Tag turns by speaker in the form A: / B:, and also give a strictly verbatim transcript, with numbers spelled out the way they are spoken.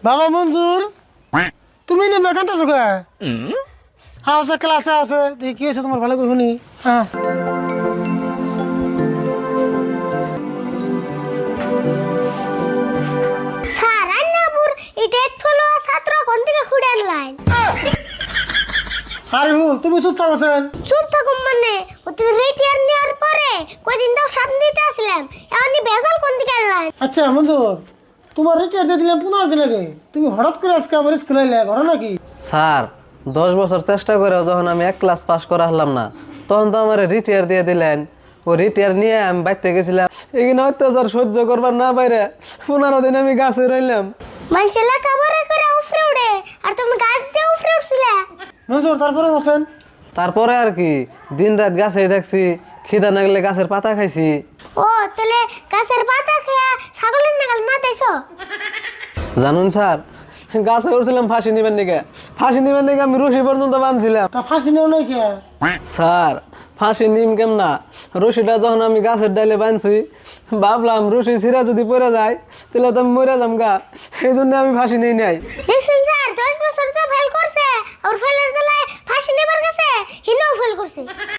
A: বাবা মঞ্জুর তুমি নে বেকান্ত আছো কে আছে ক্লাসে আছে দেখি কি আছে তোমার ভালো করে শুনি হ্যাঁ
B: স্যার আন্নাপুর ইটেট ফলো ছাত্র কোন থেকে খুঁড়ে আনলাইন
A: আরে ভুল তুমি চুপ থাকছেন
B: চুপ থাকুম মানে ওতে রিটায়ার নেওয়ার পরে কয়দিন দাও সাত দিতে আসলাম এমনি বেজাল কোন দিকে আনলাইন
A: আচ্ছা মঞ্জুর তোমার রিটায়ার দিয়ে দিলাম পনেরো দিন আগে তুমি হঠাৎ করে আজকে আমার স্কুলে এলে ঘটনা নাকি
C: স্যার দশ বছর চেষ্টা করে যখন আমি এক ক্লাস পাস করা হলাম না তখন তো আমার রিটায়ার দিয়ে দিলেন ও রিটায়ার নিয়ে আমি বাইতে গেছিলাম এখানে অত্যাচার সহ্য করবার না বাইরে পনেরো দিন আমি গাছে রইলাম
B: মানুষের লেখাপড়া করে উফরে উড়ে আর তুমি গাছ দিয়ে উফরে উঠছিলে
A: মঞ্জুর তারপরে বলছেন
C: তারপরে আর কি দিন রাত গাছেই থাকছি খিদা না গেলে গাছের পাতা খাইছি
B: ও তাহলে গাছের পাতা খেয়া ছাগলের নাগাল না তাইছো
C: জানুন স্যার গাছে উঠছিলাম ফাঁসি নিবেন নিকে ফাঁসি নিবেন নিকে আমি রশি পর্যন্ত বাঁধছিলাম
A: তা ফাঁসি নেও নাই কে
C: স্যার ফাঁসি নিম কেম না রশিটা যখন আমি গাছের ডালে বাঁধছি ভাবলাম রশি ছিঁড়া যদি পড়ে যায় তাহলে তো আমি মরে যাম গা এই জন্য আমি ফাঁসি নেই নাই
B: দেখছেন স্যার দশ বছর তো ফেল করছে আর ফেলের জ্বালায় ফাঁসি নেবার গেছে হিনাও ফেল করছে